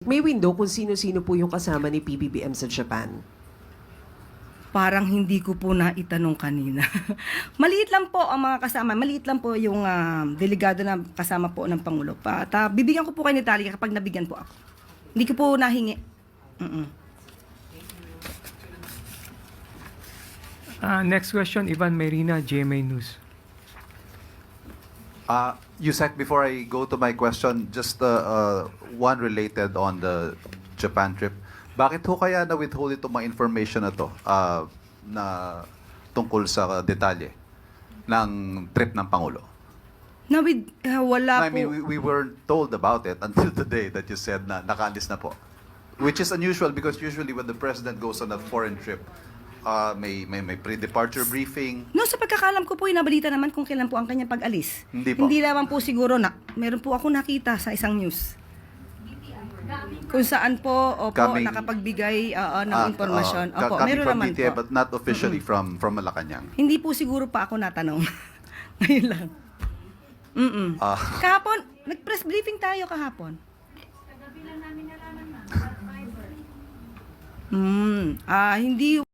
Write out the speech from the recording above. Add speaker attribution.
Speaker 1: May window kung sino-sino po yung kasama ni PBBM sa Japan.
Speaker 2: Parang hindi ko po naitanong kanina. Maliit lang po ang mga kasama. Maliit lang po yung delegado na kasama po ng Pangulo. At bibigyan ko po kayo ni Talia kapag nabigyan po ako. Hindi ko po nahingi.
Speaker 3: Next question, Ivan Mayrina, GMA News.
Speaker 4: Yusek, before I go to my question, just one related on the Japan trip. Bakit ho kaya na-withhold itong mga information na to na tungkol sa detalye ng trip ng Pangulo?
Speaker 2: Wala
Speaker 4: I
Speaker 2: po.
Speaker 4: mean, we weren't told about it until today that you said na nakaalis na po. Which is unusual because usually when the President goes on a foreign trip, may pre-departure briefing.
Speaker 2: No, sa pagkakalam ko po, inabalita naman kung kailan po ang kanyang pag-alis.
Speaker 4: Hindi po.
Speaker 2: Hindi naman po siguro na, meron po ako nakita sa isang news. Kung saan po, opo, nakapagbigay ng impormasyon. Opo,
Speaker 4: Coming
Speaker 2: meron
Speaker 4: from
Speaker 2: naman
Speaker 4: DTI,
Speaker 2: po.
Speaker 4: but not officially from Malacanang.
Speaker 2: Hindi po siguro pa ako natanong. Ngayon lang. Kahapon, nag-press briefing tayo kahapon. Hindi